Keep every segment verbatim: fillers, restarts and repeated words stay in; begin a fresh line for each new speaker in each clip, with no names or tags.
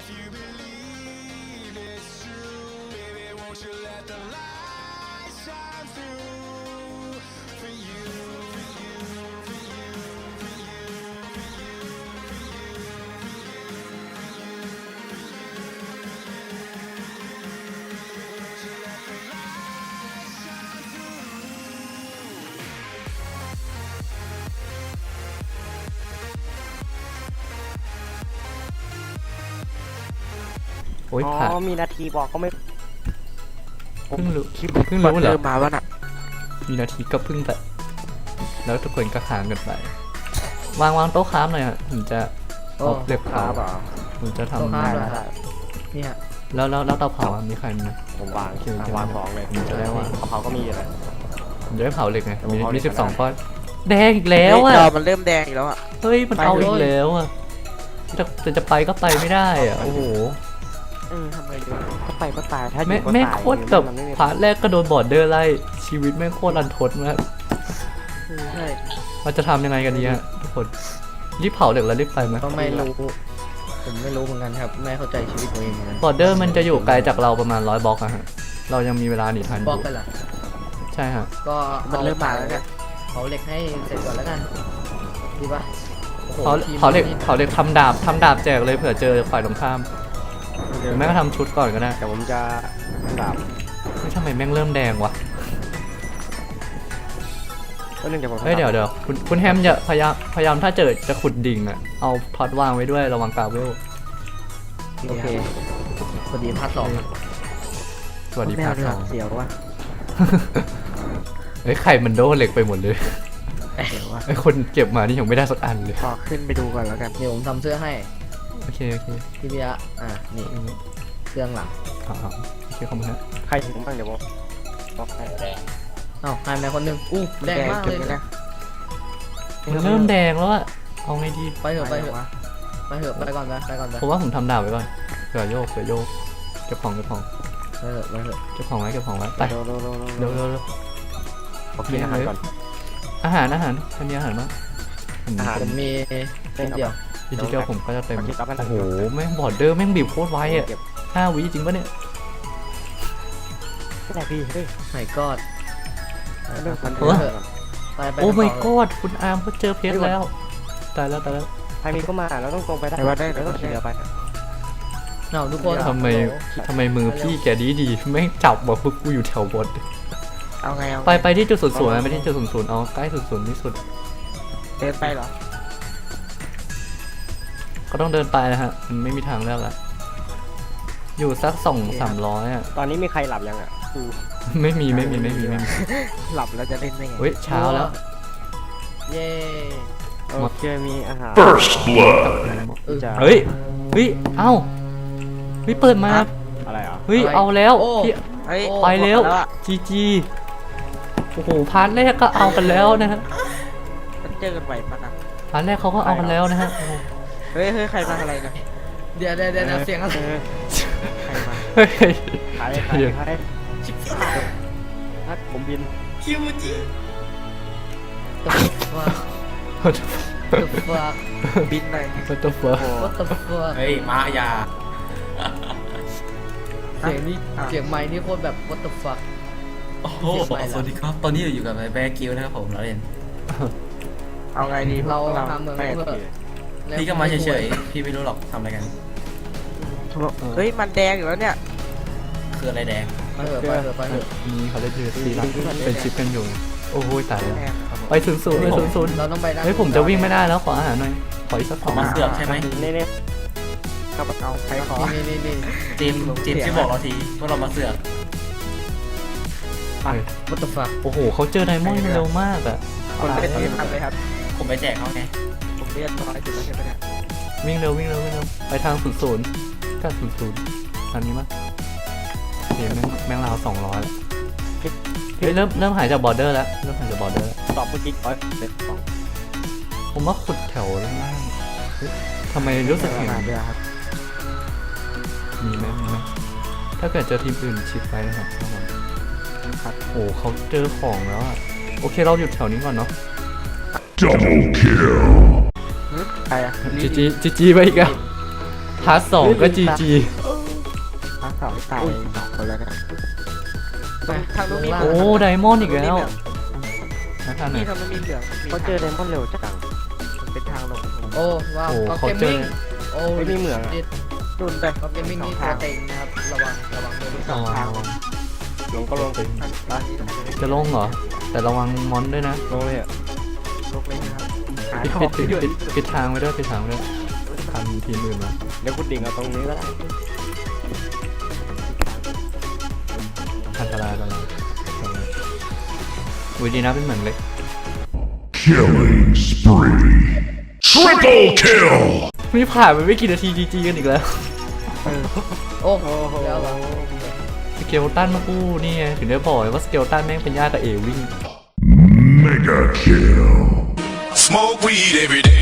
โอ้ย
อ๋
ผ่าน
อมีนาทีบอกก็ไม่
เพิ่งรู้
คลิป
เพิ่งรู้เหรอ
เริ่มมาว่าน่ะ
มีนาทีก็เพิ่งแต่แล้วทุกคนก็ค้างกันไปวางวางโต๊ะค้ามหน่อยฮะผมจะเอาเหล็ก
ครั
เผา
บอ่ะ
ผมจะทำ
ได้ได้ได้
เนี่ย
แล้วแล้วแล้วเตาเผาอะมีใครมีไหม
ผมวาง
โอเค
อ่ะวางสองเลย
ผมจะได้วาง
กะเพราก็มีเลย
ผมจะได้เผาเหล็กไง
ผม
มี
เผาเหล็
มี
ก
สิบสอง
ก็ได้
ก้อนแดงอีกแล้ว
เฮ้ย
อ่ะ
จอมันเริ่มแดงอีกแล้วอ่ะ
เฮ้ยมันเอา
ไปเลย
อีกแล้วอ่ะจะจะจะไปก็ไปไม่ได้อ่ะโอ้โห
เออทำไงดีก็ไปก็ตายถ้าอ
แม่
ยู่ก็
แม่ง
ตาย
โคตรแบบ
มันไม่มี
พาร์ทแรกก็โดนบอร์ดเดอร์ไล่ชีวิตแม่งโคตรรันทดมาก
เออใช่
เราจะทำยังไงกันดีฮะทุกคนรีบเผาเหล็กแล้วรีบไปไหม
ก็ไม่รู้ผมไม่รู้เหมือนกันครับไม่เข้าใจชีวิตตัวเองเหมือนกัน
บอร์เดอร์มันจะอยู่ไกลจากเราประมาณร้อยบล็อกอะฮะเรายังมีเวลาหนีทันอบ
ล็อยู่ กกันเหรอ
ใช่ฮะ
ก็
มันเริ่มมาแล้วเนี่ย
เผาเหล็กให้เสร็จก่อนแล้วกันดีป่ะโอ้โห
เผา
ทีม
เผาเหล็ก
นี่
เผาเหล็กทำดาบทำดาบแจกเลยเผื่อเจอฝ่ายตรงข้ามหรือแม่ก็ทำชุดก่อนก็ได้
แต่ผมจะดาบ
ไม่ทำไมแม่งเริ่มแดงวะ
ก็เรื่องเดี๋ยวผม
เฮ้ยเดี๋ยวเดี๋ยวคุณคุณแฮมอย่าพยายามพยายามถ้าเจอจะขุดดิ่งอะเอาท็อตวางไว้ด้วยระวังกาเวล
โอเคพอดีพาร์ทสอง
สวัสดี
แม
ภาว ค
เรือ
สอง
เสียวว่ะ
เฮ้ยไข่มันโดนเหล็กไปหมดเลย
เสียวว่ะ
ไอ้คนเก็บมานี่ยังไม่ได้สักอันเลย
ขอขึ้นไปดูก่อนแล้วกัน
เดี๋ยวผมทำเสื้อให้
โอเคโอเค
พี่เบียร์อ่ะนี่เสื้อข้างหลัง
อ่าโอเคขอบคุณฮะ
ใครถึงบ้างเดี๋ยวผมบอกให้แดง
เอ้าหายไปคนหนึงอู้แดงมากเลย
จุดนี้นะ
มันเริ่มแดงแล้วอะเอาไงดี
ไปเถอะไปเถอะไปเถอะไปก่อนไปไปก่อนไป
ผมว่าผมทำดาบไว้ก่อนเผื่อโยกเผื่อโยกเก็บของเก็บของ
ไปเถอะไปเถอะ
เก็บของไว้เก็บของไว้ไป
เร็วเร็วเร็ว
เร็วเร็วเร็ว
ผมกินอาหารก่อน
อาหารอาหารใครมีอาหารบ้างผม
อาหาร
ผมมีนิดเดียว
ทีเดียวผมก็จะเต็ม
ขอคิดรับให้หน่
โอ้
อย
โหแม่งบอร์ดเดอร์แม่งบีบโคตรไวอะ
เก็บ
ห้าวิจริงปะเนี่ย
ไม่ได้พี่เฮ้ย
ไม่กอด
เรื่องพัน
ไป
เรื่อง
เถอะไปไป
โอ้
ต่
my god คุณอาร์มเขาเจอเพชรแล้วตายแล้วตายแล้ว
ใครมีก็มาแล้วต้องตรงไปได้แต่ว่าได้แล้วต้องขี่เรือไป
เอาทุกคน
ทำไมทำไมมือพี่แกดีดีแม่งจับบอกพวกกูอยู่แถวบน
เอาไงเอา
ไปไปที่จุดศูนย์ศูนย์ไปที่จุดศูนย์ศูนย์เอาใกล้ศูนย์ศูนย์ที่สุด
เดินไปเหรอ
ก็ต้องเดินไปนะฮะมันไม่มีทางเลือกละอยู่สักสองสามร้อยอ่ะ
ตอนนี้มีใครหลับยังอ่ะคือ
ไม่มีไม่มีไม่มีไม่มี
หลับแล้วจะเล่นได้ไง
เฮ้ยเช้าแล้ว
เย้
โอเคมีอาหาร
First blood.
เออ
จะ
เฮ้ยเฮ้ยเอ้าเฮ้ยเปิดมา
อะไรอ่ะ
เฮ้ยเอาแล้วพี่
เฮ้ย
ไปแล้ว
หมดอะ
จีจีโอ้โหพาร์ทแรกก็เอากันแล้วนะฮะ
มันเจอกันไหวปะนะ
พาร์ทแรกเขาก็เอากันแล้วนะฮะโอ้โห
เฮ้ยเฮ้ยใครมาอะไรนะ
เดี๋ยวเดี๋ยวเดี๋ยวเสียงอะไร
ออใครมา
เฮ้ย
ใครใครใครชิบหายนัดผมบิน
ว่า
What
the fuck
บินเลย
the fuck
โอ้
what the fuck
เฮ้ยมายา
เสียงนี้เสียงไมค์นี่โคตรแบบ what the fuck
โอ้โหสวัสดีครับ ตอนนี้อยู่กับแบร์กิลนะครับผมเราเล่น
เอาไงดี
เรา
พวก
ทำเหมือน
แปด
เพื่อ
ที
พี่ก็มาเฉยๆ พี่ไม่รู้หรอกทำอะไรกัน
เฮ้ยมันแดงอยู่แล้วเนี่ย
คืออะไรแดง
ไปเถอะไปเถอะไปเถอะ
นี่เขาเล่นยูซีเป็นชิปกันอยู่โอ้โหตายแล้ว
แดงครับผม
ไปศูนย์ศูนย์ไปศูนย์ศูนย์
เราต้องไปด้าน
เฮ้ยผมจะวิ่งไม่ได้แล้วขออาหารหน่อยขออีกสักสอง
มาเสือกใช่ไหม
นี่นี่กระเป๋าใครขอ
นี่นี่นี่
จีมจีมที่บอกเราทีว่าเรามาเสือก
เฮ้ย
what the fuck
โอ้โหเขาเจอไดมอนด์เร็วมากอ่ะ
คนเล่นที่ทำเลยครับ
ผมไปแจกเขาไง
ผมเรียกร้อยจุดแล้วใช่ไหมเนี่ย
วิ่งเร็ววิ่งเร็ววิ่งเร็วไปทางศูนย์ศูนย์ก็ศูนย์ศูนย์อันนี้มั้ยโอเคแม่งแม่งราวสองร้อยแล้วเฮ้ยเริ่มเริ่มหายจากบอร์เดอร์แล้วเริ่มหายจากบอร์เดอร์แล้ว
ตอบเมื่อกี้ร้อยเด็ดสอง
ผมว่าขุดแถวล่างเฮ้ยทำไมรู้สึกเห็น
เรือครับ
มีไหมมีไหมถ้าเกิดเจอทีมอื่นชิดไปนะครับระวังครับโอ้เขาเจอของแล้วอะโอเคเราหยุดแถวนี้ก่อนเนาะ
Double kill.
ใครอ่ะ
จีจีจีจีไปอีกอะ
ไ
พาร์ทสองก็จีจี
ภาคสองตายสองคนแล้วนะ
ทางนู้นมี
โอ้ไดมอนด์อีกแล้วนะท่าน
นี่
น่ะ
ทำไมมีเหลืองเขาเจอไดมอนด์เร็วจังมันเป็นทางลง
โอ้ว้าว
โอ้
ก็
เขา
เกม
เจอ
มิ่งโอ้
ไม่มีเหมืองอะ
ดิด
ดุนไป
ก็เกมมิ่งนี่ตัวเต็งนะครับระวังระวังด้วย
สองทางลงก็ลงไปไป
จะลงเหรอ แต่ระวังมอนด้วยนะ
ลงเลยอ่ะลงเลยนะครับหา
ปิด
ทอ
ปิ
ง
ดปิดปิดปิดทางไว้ด้วยปิดทางไว้ด้วยทำทีมอื่นมา
เดี๋ยวคุณดิ่งเอาตรงนี้ก็ได้
อันตรายแล้วอุ้ยดีนะเป็นเหมือนเลย
Killing spree. Triple kill.
นี่ผ่านไปไม่กี่นาทีจีจีกันอีกแล้ว
โอ้โห
โอ้โห
เดี๋ยวเรา
สเกลตันมากู้นี่ไงถึงได้บอกไงว่าสเกลตันแม่งเป็นญาติกับเอวิ่ง
Mega kill.
Smoke weed every day.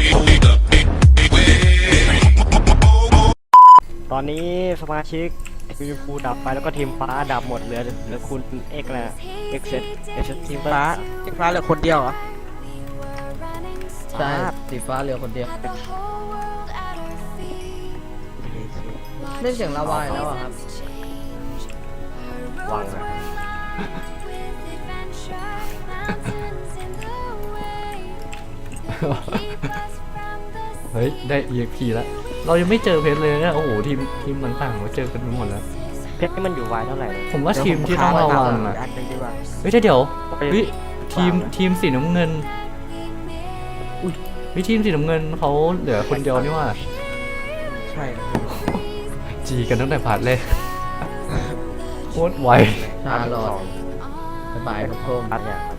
ตอนนี้สมาชิกทีมฟูดับไปแล้วก็ทีมฟ้าดับหมดเหลือเหลือคุณเอกนะเอกเซตเอกเซตทีมฟ้าทีมฟ้าเหลือคนเดียวเหรอ
ใช่สีฟ้าเหลือคนเดียวเล่นเสียงลาวายแล้วอะครับ
วังนะ
เฮ้ยได้ อี เอ็กซ์ พี แล้ว เรายังไม่เจอเพชรเลยนะโอ้โหทีมทีมต่างๆเราเจอกันไปหมดแล้ว
เพชรนี่มันอยู่วายเท่าไหร่เลย
ผมว่าทีมที่ต้องระวังอ่ะ
อันหนึงดีกว่า
เฮ้ยแต่เดี๋ยว
ไป
เฮ้ยทีมทีมสีน้ำเงินอุ้ยเฮ้ยทีมสีน้ำเงินเขาเหลือคนเดียวนี่ว่า
ใช่
จีกันตั้งแต่พาร์ทแรกโคตรไว
ชาลอดสบายครับผม
อัดเนี่ย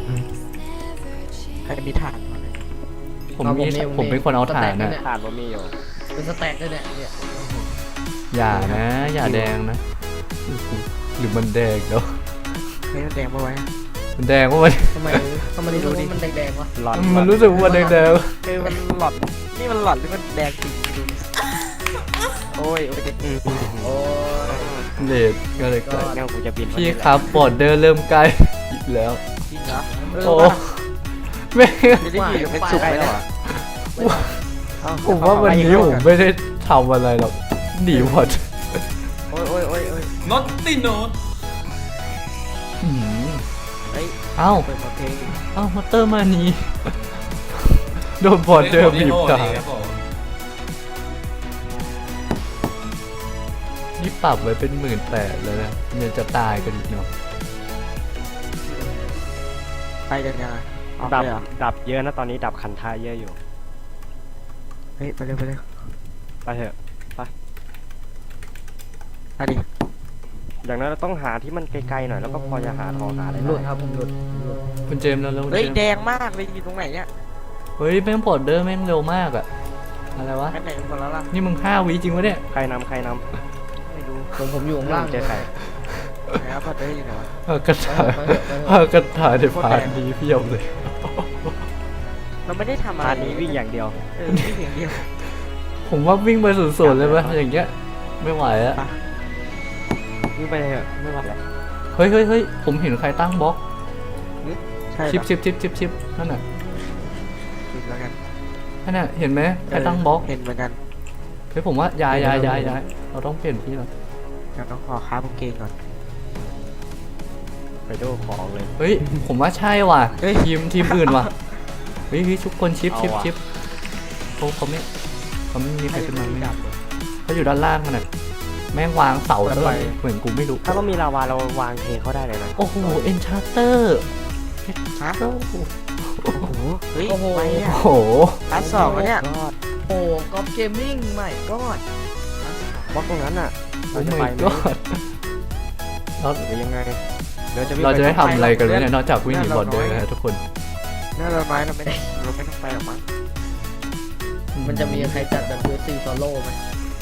ใครมีถ่าน
ผมมีผมเป็นคนเอาถ่านนะ
ถ่านบ่มีอยู่
เป็นสแต็กด้วยเนี่ยเนี่ย
อย่านะ อย่าแดงนะหรือมันแดงเนาะ
เฮ้ยมันแดงมาไว้
มันแดงว่ามัน
ทำไมทำไมรู้สึกว่ามันแดงๆวะ
หลอด
มันรู้สึกว่ามันแดงแดง
เออมันหลอดนี่มันหลอดหรือมันแดงจริงดูดิโอ้ยโอ้ยอืม
โอ้ย
เลดก็เลยก็
งั้นกูจะบิน
พี่ครับบอร์เดอร์เริ่มใกล้อีกแล้ว
จริงเหรอ
โอ้ไม่
จะได้อยู่เป็นสุกไปแล้วอ่ะ
ผมว่าวันนี้ผมไม่ได้ทำอะไรหรอกหนีหมด
โอ้ยโอ้ยโอ้ยโอ้ย
น็อตตี้โนต
อืม
เฮ้ย
เอ้า
เปิดเพลง
เอ้ามาเตอร์มานี้โดนบอร์เดอร์บีบตานี่ปรับไว้เป็นหมื่นแปดเลยนะยังจะตายกันอีกเนาะ
ไปกันยังไงดับดับเยอะนะตอนนี้ดับคันท้ายเยอะอยู่เฮ้ยไปเร็วไปเร็วไปเถอะไปไปดิอย่างนั้นเราต้องหาที่มันไกลๆหน่อยแล้วก็พอจะหาทองหาอะไร
หลุด
ได้
ครับผมหลุดหลุด
คุณเจมส์แล้วแล้วคุณ
เฮ้ย
เจมส์
แดงมากเลยอยู่ตรงไหนเนี่ย
เฮ้ยแม่งบอร์เดอร์แม่งเร็วมากอะอะไรวะ
ไปไหนกันหมดแล้วล่ะ
นี่มึงห้าวิจริงวะเนี่ย
ใครนำใครนำไม่รู้
ผมผมอยู่ข้างล่าง
เจอใครไหนครับพอเจออยู่ไหนวะ
เออกระถา
ไปเถอะไปเถอะ
เออกระถาในพาร์ทนี้เพียบเลย
เราไม่ได้ทำอะไรนี้วิ่งอย่างเดียวเออวิ่งอย่างเดียว
ผมว่าวิ่งไปสุดๆเลยปะอย่างเงี้ยไม่ไหวอะ
วิ่งไปเถอะไม่ไหวแล้ว
เฮ้ยเฮ้ยเฮ้ยผมเห็นใครตั้งบล็อก
ใช่
ชิปชิปชิปชิปชิปนั่นน่ะ
ชิปแล้วกัน
นั่นน่ะเห็นไหมใครตั้งบล็อก
เห็นเหมือนกัน
เฮ้ยผมว่าย้ายย้ายย้ายย้ายเราต้องเปลี่ยนที่แล้ว
เดี๋ยวต้องขอค้าบุกเกงก่อนไปดูของเลย
เฮ้ยผมว่าใช่ว่ะ
เฮ้ย
ทีมทีมอื่นว่ะเฮ้ยเฮ้ยทุกคนชิปชิป
เอาว่ะ
ชิปเขาเขาไม่เขาไม่มีใครขึ้นมาไม่ได้เขาอยู่ด้านล่างมันน่ะแม่งวางเสาซะเลยเหมือนกูไม่รู้
ถ้าเรามีลาวาเราวางเทเขาได้เลยนะ
โอ้โหเอ็นชาร์เตอร์
ฮะ
โอ้โห
โอ้โหเฮ้ย
โอ้โห
ไป
โอ้
เนี่ย
โห
ร้านสองแล้วเนี่ย
โอ้กอล์ฟเกมมิ่งใหม่ก็
บล็อกตรงนั้นอ่ะ
โอ้
เราจะ
my
ไปไหม
god เรา
หรือยังไงเดี๋ยวจะวิ่ง
เราจะได้
ป
ทำอะไรกันวะเนี่ยนอกจากวิ่งหนีบอลเดอร์นะฮะทุกคน
น่าเราน้อยเราไม่ได้เราไม่ต้องไปหรอกมั้ง
มันจะมีใครจัดแบบยูซีโซโล่ไหม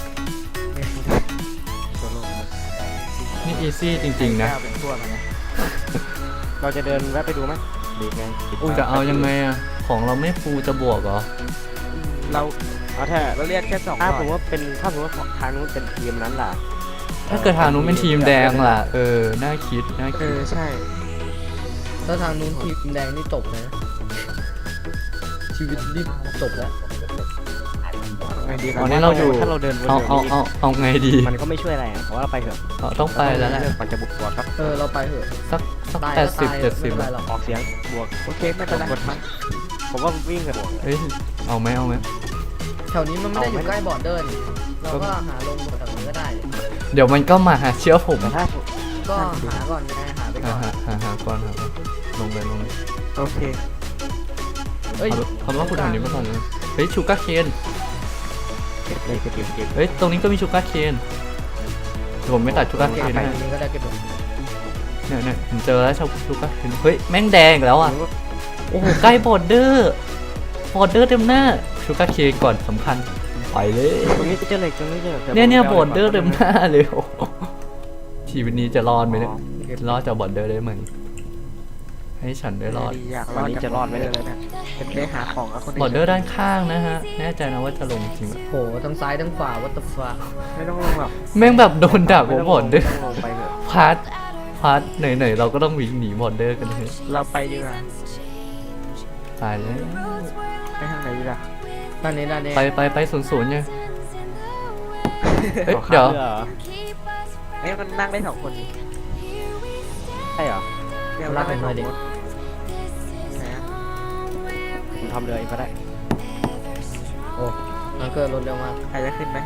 โซโล่
นี่อีซี่จริงๆนะ
เป็นทั่วมาไงเราจะเดินแวะไปดูไหมดีไง
จะเอายังไงอะของเราไม่ฟูจะบวกเหรอ
เราเอาแค่เราเรียกแค่สองถ้าผมว่าเป็นถ้าผมว่าทางนู้นเป็นทีมนั้นล่ะ
ถ้าเกิดทางนู้นเป็นทีมแดงล่ะ เออ น่าคิด น่า
เอ
คิด
อใช่
ถ้าทางนู้นทีมแดงนี่จบเลยนะชีวิตนี่จบแล้ว
ไงไงดี
ตอนนี้เราอยู่
ถ้าเราเดินวน
เอา
เดียว
เอา
นี้
เอาเอาไงดี
มันก็ไม่ช่วยอะไรอ่ะเพราะว่าเราไปเถอะ
เอาต้องไปแล้วแหละ
เรื่องมันจะบุกตัวครับ
เออเราไปเถอะ
สักสัก
ตาย
แป
ก็
ดสิบ
ตาย
เจ็ด
ไม่
สิบ
เป็นไรหรอก
ออกเสียงบวกโอเคไม่เป็นไรผมว่าวิ่งกับบวก
เฮ้ยเอาไหมเอาไหม
แถวนี้มันไม่ได้อยู่ใกล้บอร์เดอร์นี่เราก็หาลงแถวนี้ก็ได้
เดี๋ยวมันก็มาหาเชื่อผม
แต่ถ้า
ก็หาก่อนไงหาไป
หา
ก่อน
หาหาหาก่อนหาก่อนลงเลยลงเลย
โอเค
เอ้ย
เอาเอาว่าคุณทางนี้มาก่อนเลยเฮ้ยชูการ์เคน
เก็บเลยเก็บเก็บเก็บ
เฮ้ยตรงนี้ก็มีชูการ์เคนเดี๋ยวผมไม่ตัดชูการ์
เก็
เคน
บไป
นะ
ตรงนี้ก็ได้เก็บไป
เนี่ยเนี่ยผมเจอแล้วชูการ์เคนเฮ้ยแม่งแดงอีกแล้วอ่ะโอ้โหใกล้บอร์เดอร์บอร์เดอร์เต็มหน้าชูการ์เคนก่อนสำคัญไปเลย
ตรงนี้เจอเหล็กตรงนี้เจอหล็ก
เนี่ยเนี่ยบอร์เดอร์เต็มหน้าเลยโอ้โหชีวิตนี้จะรอดไหมเนี่ยรอดจากบอร์เดอร์ได้ไหมให้ฉันได้รอด
อยากวันนี้จะรอดไหมเลยนะเป็นได้หาของกับคน
บอร์เดอร์ด้านข้างนะฮะแน่ใจนะว่าจะลงจริงไหม
โหทั้งซ้ายทั้งขวาวัตถุฟ้า
ไม่ต้องลงหรอก
แม่งแบบโดนดักบอร์เดอร์
ลงไปเถอะ
พาร์ทพาร์ทไหนๆเราก็ต้องวิ่งหนีบอร์เดอร์กันเลย
เราไปดีกว่า
ตายแล้ว
ไปทางไหนดีล่ะ
ด้านนี้ด้านนี้
ไปไปไปศูนย์ศูนย์ไงเฮ้ยเดี๋ยว
เอ้ยมันนั่งได้สองคนใช่เหรอ
ลากไปหน่อยดิ
ผมทำเรือเองก็ได้
โอ้มันเกิดรถเร็วมาก
ใครจะขึ้นไหม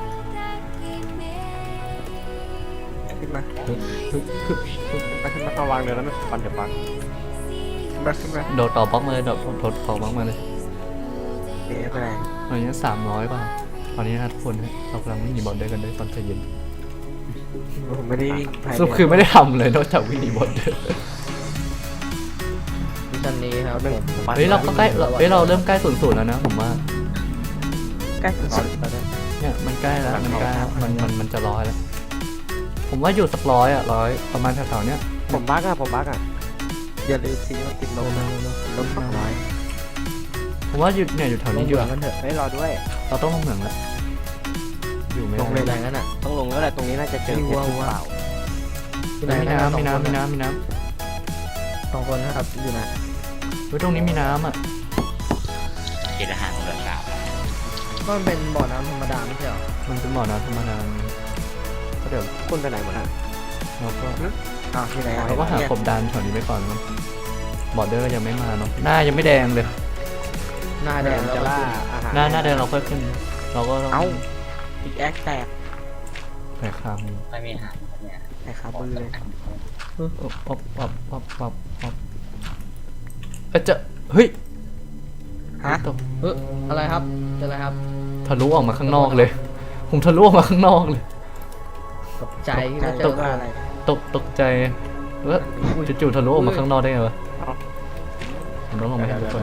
ขึ้นมาไปขึ้นมาเอาวางเรือแล้วไม่ปันเดี๋ยวปันมาขึ้นมา
โดดต่อบล็อกมาเลยโดดโดดต่อบล็อกมาเลย
เดี๋ยวไปไหน
ตอนนี้สามร้อยป่ะตอนนี้นะทุกคนเรากำลังวิ่งหนีบอร์เดอร์กันด้วยตอนใจเย็น
ผมไม่ได้วิ่ง
สรุปคือไม่ได้ทำเลยนอกจากวิ่งหนีบอร์เดอร์
มิชชั่นนี้ครับผม
เฮ้ยเราก็ใกล้เราเฮ้ยเราเริ่มใกล้ศูนย์ศูนย์แล้วนะผมว่า
ใกล้สุดแล้วเนี่ย
เนี่ยมันใกล้แล้วมันใกล้แล้วมันมันมันจะร้อยแล้วผมว่าอยู่สักร้อยอ่ะร้อยประมาณแถวๆเนี้ย
ผมบักอ่ะผมบักอ่ะอย่าลืมซีมันติดลมนะลมสองร้อย
ผมว่าอยู่เนี่ยอยู่แถว
ล
นี้
ง
อยู่
เหมือ
อะ
งกันเถอะ
เฮ้ยรอด้วย
เราต้องลงเหมืองแล้วอยู่ไม่
ลงเลย
ได้
แรงนั้นอ่ะ
ต้องลงแล้วแหละตรงนี้น่าจะเจอเพชรหรือเปล่า
ที่ไห
มีน้ำมีน้ำมี
สองค
น้ำมีน้
สองคนนะครับอยู่ไหน
ำเฮ้ยตรงนี้มีน้ำอ่ะ
ก็มันเป็นบ่อน้ำธรรมดาไม่ใช่เหรอ
มันเป็นบ่อน้ำธรรมดาก็เดี๋ยว
คุณไปไหนหมดอ่ะ
เราก็
อ้าวที่ไหน
เราก็หากบดานแถวนี้ไปก่อนเนาะบอร์เดอร์ก็ยังไม่มาเนาะหน้ายังไม่แดงเลย
หน้าแดงแล้ว
จะ
ก็
ล่า
ขึ้น
อาหาร
หน้าหน้าแดงเราค่อยขึ้น เราก็ต้อง
เอ้าอีกแอคแตก
ใส่คามือ
แตกขามือเลย
ป๊อปป๊อปป๊อปป๊อปป๊อปป๊อปเอ้ยจะเฮ้ย
ฮะ
ตก
เฮ้ยอะไรครับเจออะไรครับ
ทะลุออกมาข้างนอกเลย ผมทะลุออกมาข้างนอกเลย
ตกใจที่ไม่เจ
ต
อก
อะไร
ตกตกใจแล้วจู่ๆทะลุออกมาข้างนอกได้ไงวะผมต้องลงไปให้ทุกคน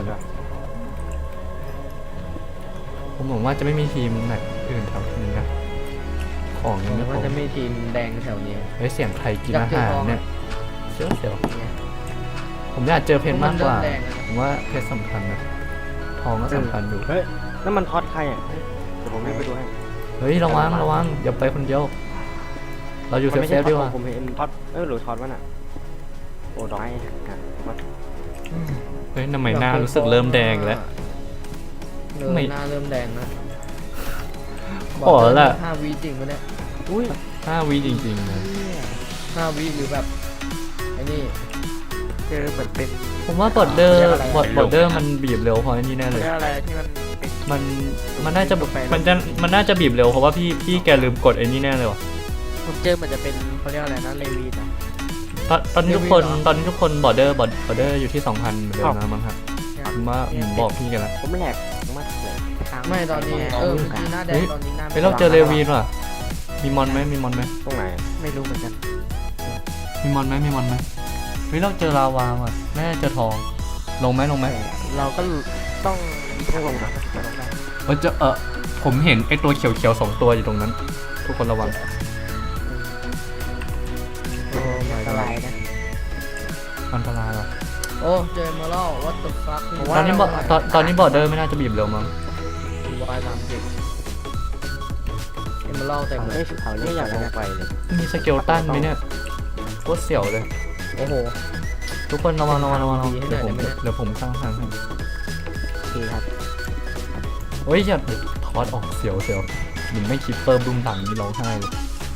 ผมหวังว่าจะไม่มีทีมไหนอื่นแถวนี้นะของยังไม่พ
มัน
อ
จะมีทีมแดงแถวนี้
เฮ้ยเสียงใครกิน
อยาก
อา
เจอ
หาร
ทอง
เนี่ยเสียวเสียวผมอยากเจอเพชรมากกว่า
มันเริ่มแดงแล้ว
ผมว่าเพชรสำคัญนะทองก็สำคัญอยู่
เฮ้ยนั่นมันทอดใครอ่ะเดี๋ยวผมรีบไปดูให้
เฮ้ยระวังระวังอย่าไปคนเดียว เราอยู่เซฟเซฟดีกว่า
ผมเห็นทอดเออหรือทอดวะน่ะโอ้ดอกไม้อ่ะ
เฮ้ยทำไมหน้ารู้สึกเริ่มแดงแล้ว
เริ่ม
ไม่
หน้าเริ่มแดงแล้ว
ขอละ
ห้าวิจริงปะเนี่ย
อุ้ย
ห้าวิจริงๆเลย
ห้าวิหรือแบบไอ้นี่
เจอเหมือนเป็น
ผมว่าบอร์เดอร์
เรียกอะไรอะ
บอร์บอร์เดอร์มันบีบเร็วเพราะอันนี้แน่เลย
เรื่องอะไรที่มันเป็น
มันมันน่าจะมันจะมันน่าจะบีบเร็วเพราะว่าพี่พี่แกลืมกดไอ้นี่แน่เลยว่ะ
ผมเจอเหมือนจะเป็นเขาเรียกอะไรนะเลวีนะ
ตอนตอนนี้ทุกคนตอนนี้ทุกคนบอร์เดอร์บอร์เดอร์อยู่ที่สองพันเหมือนเดิมนะมั้งครับผมว่าผมบอกพี่กันแล้ว
ผมแหลกมากเลย
ไม่ตอนนี้เออเมื่อกี้หน้าแดงตอนนี้หน้า
เฮ้ยเราเจอเลวีนว่ะมีมอนไหมมีมอนไหม
ตรงไหนไม่รู้เหมือนกัน
มีมอนไหมมีมอนไหมเฮ้ยเราเจอลาวาว่ะแม่เจอทองลงไหมลงไหม
เราก็ต้องต้องลงนะ
เออเจอเออผมเห็นไอตัวเขียวๆสองตัวอยู่ตรงนั้น ทุกคนระวัง
โอ้ my
อันต
god
รายนะ
อันตรายว่ะ
โอ้เจอมาแล้ว what the fuck
ตอนนี้บอตอนตอนนี้บอร์เดอร์ไม่น่าจะบีบเร็วมั้ง
วายสามสิบเอ็มเล่าแต่งเล
เฮ้
ย
ยเขาไม่อยากลงไปเลย
มีสเกลตันไหมเนี่ยโคตรเสียวเลย
โอ้โห
ทุกคนระวังระวังระวังระวัง
ดีให้
เดี๋ยวผม
หน่อยได้ไหมเนี่ย
เดี๋ยวผมสร้างทางให้
โอเคครับ
เฮ้ยอย่าทคอร์สออกเสียวเสียวหนึ่งไม่คิดเพิ่มบุ้มต่ำนี่ร้องไห้เลย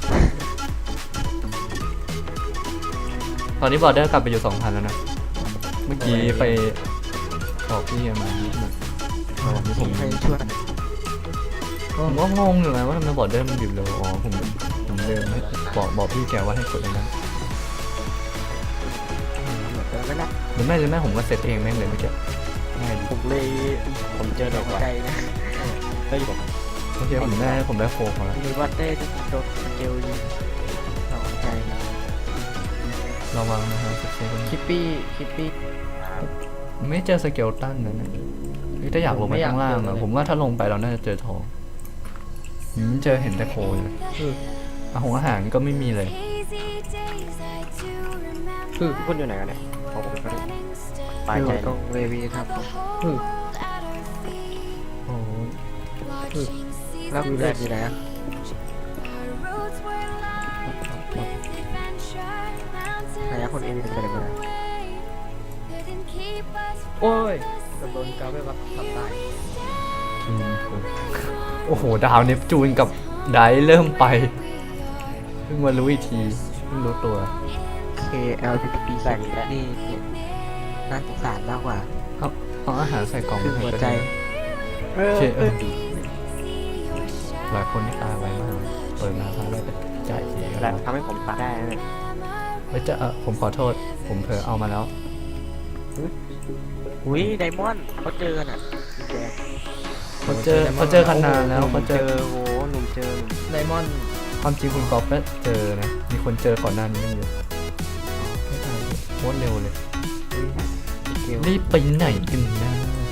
ตอนนี้บอร์เดอร์กลับไปอยู่สองพันแล้วนะเมื่อกี้ไปบอกพี่มายี่สิบตอนนี้ผม
ใครช่วย
ผมก็งงอยู่นะว่าทำไมบอร์เดอร์มันดิบเร็วอ๋อผมผมเดินให้บอกบอกพี่แกว่าให้กดตรงนั้น
เดี๋ยวไม่ละ
หรือไม่หรือไม่ผมก็เซตเองแม่งเลยเมื่อกี้ง่ายดี
ผมเลยผมเจอเด็กใจนะเฮ้ยผม
เมื่อกี้ผมได้ผมได้โฟกมาแล้ว
มีวัตเต้จะโดนสเกลยิงสองใจ
ระวังนะครับสเกล
คิปปี้คิปปี้
ไม่เจอสเกลตันนะเนี่ยเฮ้ยถ้าอยากลงไปข้างล่างอะผมว่าถ้าลงไปเราน่าจะเจอทองอืมเจอเห็นแต่โคยเลยอาหงอาหารก็ไม่มีเลย
คือคุณอยู่ไหนกันเนี่ยผมก็ปลายใจตรงเววีครับ
โอ้ย
แล้วคือเลือดอยู่ไหนอ่ะ ไหนอะคนเอ็นเป็นไปไหนมา
โอ้ยโดนกาไปแบบทำตาย
อืมโอ้โหดาวเนปจูนกับไดเริ่มไปเพิ่งมารู้อีกทีเพิ่งรู้ตัว
เค แอล พี พี แสงนี่น่าสงสารมากกว่า
เอาเอาอาหารใส่กล่อง
คือหัวใจ
โอเคเออหลายคนนี่ตายไวมากเลยเปิดมาพาได้ไปจ่ายทีกัน
แหละ
แล้ว
ทำให้ผมตายได้นะเนี่ย
เฮ้ยจะเออผมขอโทษ ผมเผลอเอามาแล้ว
อุ้ยไดมอนด์เขาเจอกันอ่ะแดง
เขาเจอเขาเจอกันนานแล้วเขาเจอ
โอ้หนุ่มเจอ
ไดมอนด์
ความจริงคุณกอล์ฟก็เจอนะ มีคนเจอก่อนหน้านี้ตั้งเยอะไม่ทันโคตรเร็วเลย
สเกล
รีบไปไหนกันนะ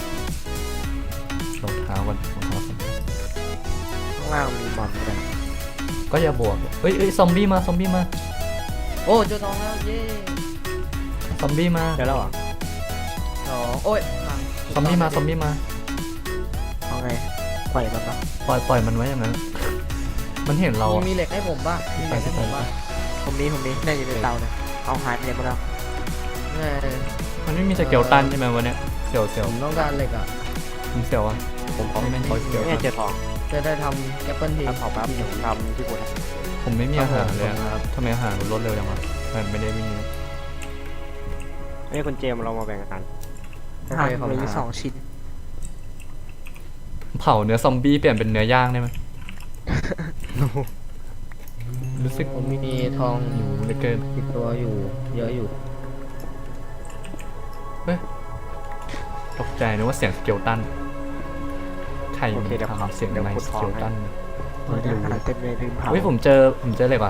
รองเท้ากันรองเท้าสำคัญ
ข้างล่างมีบอลด้วย
ก็อย่าบวกเฮ้ยเฮ้ยซอมบี้มาซอมบี้มา
โอ้เจอทองแล้วเย้
ซอมบี้มา
เจอแล้วเหรอ
สองโอ้ยพัง
ซอมบี้มาซอมบี้มา
เอาไงปล่อยมันปะ
ปล่อยปล่อยมันไว้อย่างนั้น มันเห็นเรา
มี
อะ
มีเหล็กให้ผมป่ะมีเหล็กให้ผมป่ะ
ผมนี้ผมนี้ได้อยู่ในเตาเนี่ยเอาหายไปเลยมาแล้ว
เออ
มันไม่มีสเกลตันใช่ไหมวันเนี้ยเสียวเสียว
ผมต้องการเหล็กอ่ะ
ผมเสียวอ่ะ
ผมขอ
ไม่ไม่ขอเสียว
เนี่ยเจอทอง
จะได้ทำแอปเปิลที
ถ้าเผาแป๊บเดี๋ยวผมทำที่ปวด
ผมไม่มีอาหารเลยอะทำไมอาหารมันลดเร็วจังวะมันไม่ได้มี
เอ้ยคุณเจมส์เรามาแบ่งกัน
โอเคขอบคุณ
มี
ค
ส
รั
อบ งชิ้น
เผาเนื้อซอมบี้เปลี่ยนเป็นเนื้อย่างได้ไหม รู้สึก
ผมมีทอง
หิวเหลือเกิน
ติดตัวอยู่เยอะอยู่
ตกใจนึกว่าเสียงสเกลตันใคร
โอเคเดี๋ยว
ทำเสียง
เดี๋ยว
ไม
ขุด
ส
ทอ
เก
ง
ล
ให้
ตัน
ไม่รู้เต็มเลยลืมเผา
เฮ้ยผมเจอผมเจอเลยว่ะ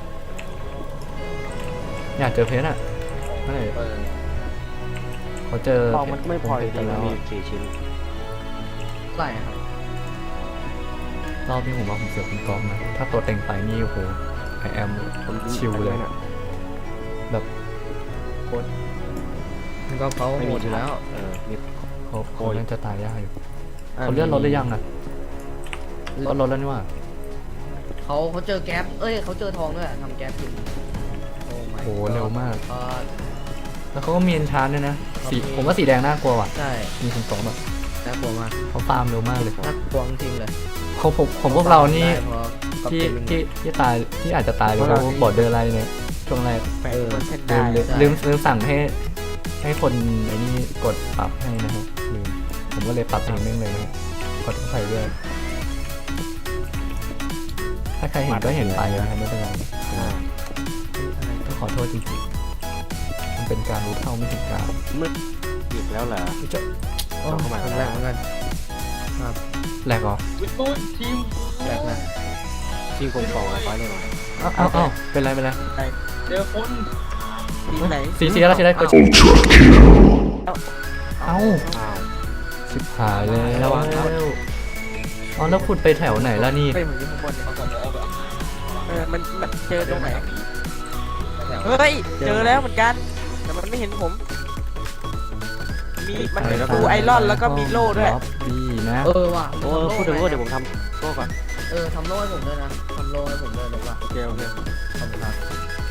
อยากเจอเพชรอ่ะไม่เขาเจอ
ทองมันไม่พอจ
เพ
ริ
ช
ง
แล้ว
ๆมี
อะ
สี่ชิ้น
เท่าไหร่ครับ
รอบนี้ผมว่าผมเสือกคุณกอล์ฟนะถ้าตัวเต็งไปนี่โอ้โหไอแอม
ผม
ชิลเลย
นะ
แบบโคตร
มันก็เขา
ไม่
หม
มี
ดอยู่แล้ว
เออมี
เขาเขา
โอ้ย
น่าจะตายยากอยู่เขาเลื่อนรถหรือยังอ่ะก็รถแล้วนี่ว่า
เขาเขาเจอแก๊ปเอ้ยเขาเจอทองด้วยอะทำแก๊ปกินโอ้ my
โหเร็วมาก
god
แล้วเขาก็มีเอนชานด้วยนะสี
เขามี
ผมว่าสีแดงน่ากลัวว่ะ
ใช่
มีคุณกอล์ฟแบบ
น่ากลัวมาก
เขาฟาร์มเร็วมากเลย
น่ากลัวจริงๆเลย
เขาผมผมพวกเรานี่
ได้เพราะก๊อป
ที่
ปี้
ที่ที่ตายที่อาจจะตายเลยเพราะบอร์เดอร์ไลน์เนี่ยช่วงแรก
แปด
เออ
เปอร์เซ็นต์
ลื
ได้
มลืม
ใช่
ลืมลืมสั่งให้ให้คนไอ้นี่กดปรับให้นะครับลืมผมก็เลยปรับเองแม่งเลยนะครับขอโทษใครด้วย ถ้าใครเห็นก็เห็นไปนะครับไม่เป็นไร
อ่า
ต้องขอโทษจริงๆมันเป็นการรู้เท่าไม่ถึงการ
มืดอีกแล้วเหรอ
จะ
โอ้
เข้ามา
มันแรกเหมือนกัน
แหลกเหรอ
แรกนะ
ทีมผมสองร้อยเลยเหรอ
อ้าวอ้าวอ้าวเป็นไรเป็นไร
ทีมไหน
สีสีอะไรสีอะไรกด
Ultra kill.
เอ้า
อ้าว
สิบหายแล้วอ๋อแล้วขุดไปแถวไหนล่ะนี่
เฮ้ยผมอยู่ข้างบนเนี่ยเออมันมันเจอตรงไหนเฮ้ยเจอแล้วเหมือนกันแต่มันไม่เห็นผม มีมันเป็นฟูไอรอนแล้วก็มีโล่ด้วย
ล็อบบี้นะ
เออว่ะ
โอ้พูดถึงโล่เดี๋ยวผมทำโล่ก่อน
เออทำโล่ให้ผมด้วยนะทำโล่ให้ผมด้วยเลยว่ะ
โอเคโอเค
ขอบคุณครับ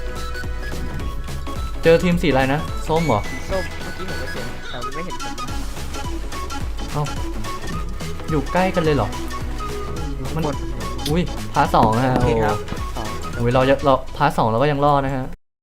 เจอทีมสีอะไรนะ ส้มเหรอ
ส้มเมื่อกี้ผมไม่เห็นแต่มันไม่เห็นผม
อยู่ใกล้กันเลยเหรอมันอุ้ยพาร์ทสองนะฮะ
โอเค
โอ้
ครับสอง
โหเราจะเราพาร์ทสองเราก็ยังรอดนะฮะ